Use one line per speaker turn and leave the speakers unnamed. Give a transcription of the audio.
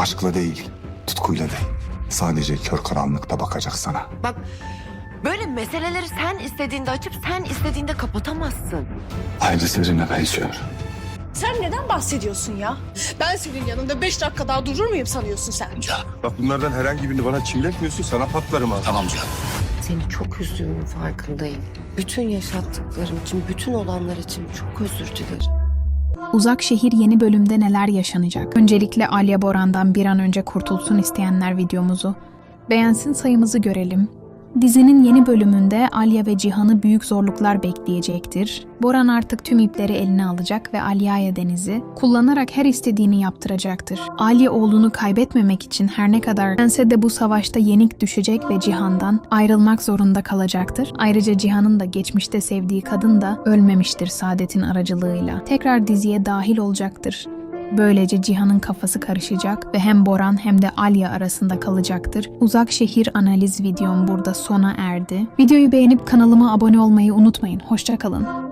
Aşkla değil, tutkuyla değil. Sadece kör karanlıkta bakacak sana.
Bak, böyle meseleleri sen istediğinde açıp sen istediğinde kapatamazsın.
Ayrıca sizinle benziyor.
Sen neden bahsediyorsun ya? Ben senin yanında 5 dakika daha durur muyum sanıyorsun sen?
Bak bunlardan herhangi birini bana çimletmiyorsun, sana patlarım ha.
Tamam canım.
Seni çok üzdüğümün farkındayım. Bütün yaşattıklarım için, bütün olanlar için çok özür dilerim.
Uzak Şehir yeni bölümde neler yaşanacak? Öncelikle Alya Boran'dan bir an önce kurtulsun isteyenler videomuzu beğensin, sayımızı görelim. Dizinin yeni bölümünde Alya ve Cihan'ı büyük zorluklar bekleyecektir. Boran artık tüm ipleri eline alacak ve Alya'ya Deniz'i kullanarak her istediğini yaptıracaktır. Alya oğlunu kaybetmemek için her ne kadar dense de bu savaşta yenik düşecek ve Cihan'dan ayrılmak zorunda kalacaktır. Ayrıca Cihan'ın da geçmişte sevdiği kadın da ölmemiştir Saadet'in aracılığıyla. Tekrar diziye dahil olacaktır. Böylece Cihan'ın kafası karışacak ve hem Boran hem de Alya arasında kalacaktır. Uzak Şehir analiz videom burada sona erdi. Videoyu beğenip kanalıma abone olmayı unutmayın. Hoşça kalın.